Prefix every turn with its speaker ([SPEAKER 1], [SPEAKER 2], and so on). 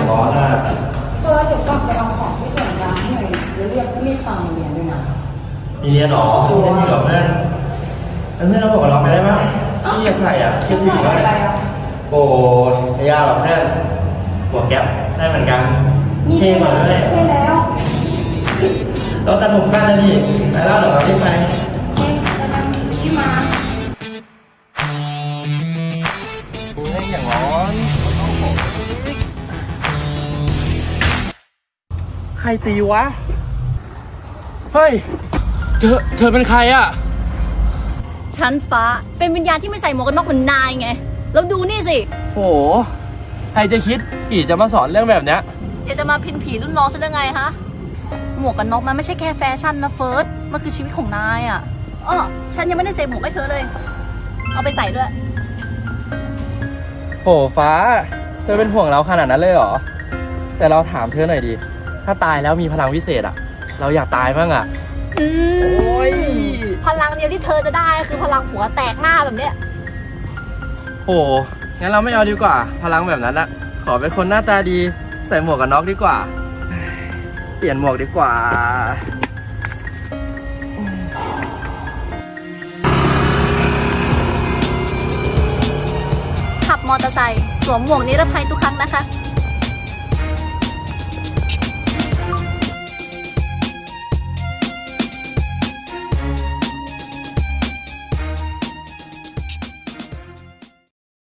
[SPEAKER 1] ร้อนอ่ะ
[SPEAKER 2] เฟิร์สเดี๋ยวกลับไปเอาของที่ส่งร้านหน่อยแล้วเรียกตังค์เรียนด้วยนะ
[SPEAKER 1] มีเรียนหรอช่วยที่กับเพื่อนเพื่อนเราบอกกับเราไปได้ปะที่อยากใส่อ่ะคิดถึงว่าโอ้ยยาหรอเพื่อนหัวแก๊ปได้เหมือนกันเท่มาเลย
[SPEAKER 2] ได้แล้ว
[SPEAKER 1] เราตัดผมกันแล้วนี่ไปแล้วเดี๋ยวเรารีบไป
[SPEAKER 2] เฮ้ยกำลังที่มา
[SPEAKER 1] โอ้ยอย่างร้อนใครตีวะเฮ้ยเธอเป็นใครอ่ะ
[SPEAKER 3] ชั้นฟ้าเป็นวิญญาณที่ไม่ใส่หมวกกันน็อกเหมือนนายไงแล้วดูนี่สิ
[SPEAKER 1] โหใครจะคิดผีจะมาสอนเรื่องแบบเนี้ย
[SPEAKER 3] อยากจะมาพินผีรุ่นน้องฉันได้ไงฮะหมวกกันน็อกมันไม่ใช่แค่แฟชั่นนะเฟิร์สมันคือชีวิตของนายอ่ะฉันยังไม่ได้ใส่หมวกให้เธอเลยเอาไปใส่ด้วย
[SPEAKER 1] โหฟ้าเธอเป็นห่วงเราขนาดนั้นเลยเหรอแต่เราถามเธอหน่อยดิถ้าตายแล้วมีพลังวิเศษอ่ะเราอยากตายบ้างอ่ะโอ้ย
[SPEAKER 3] พลังเดียวที่เธอจะได้คือพลังหัวแตกหน้าแบบเนี้ย
[SPEAKER 1] โหงั้นเราไม่เอาดีกว่าพลังแบบนั้นอะขอเป็นคนหน้าตาดีใส่หมวกกันน็อกดีกว่าเปลี่ยนหมวกดีกว่า
[SPEAKER 3] ขับมอเตอร์ไซค์สวมหมวกนิรภัยทุกครั้งนะคะ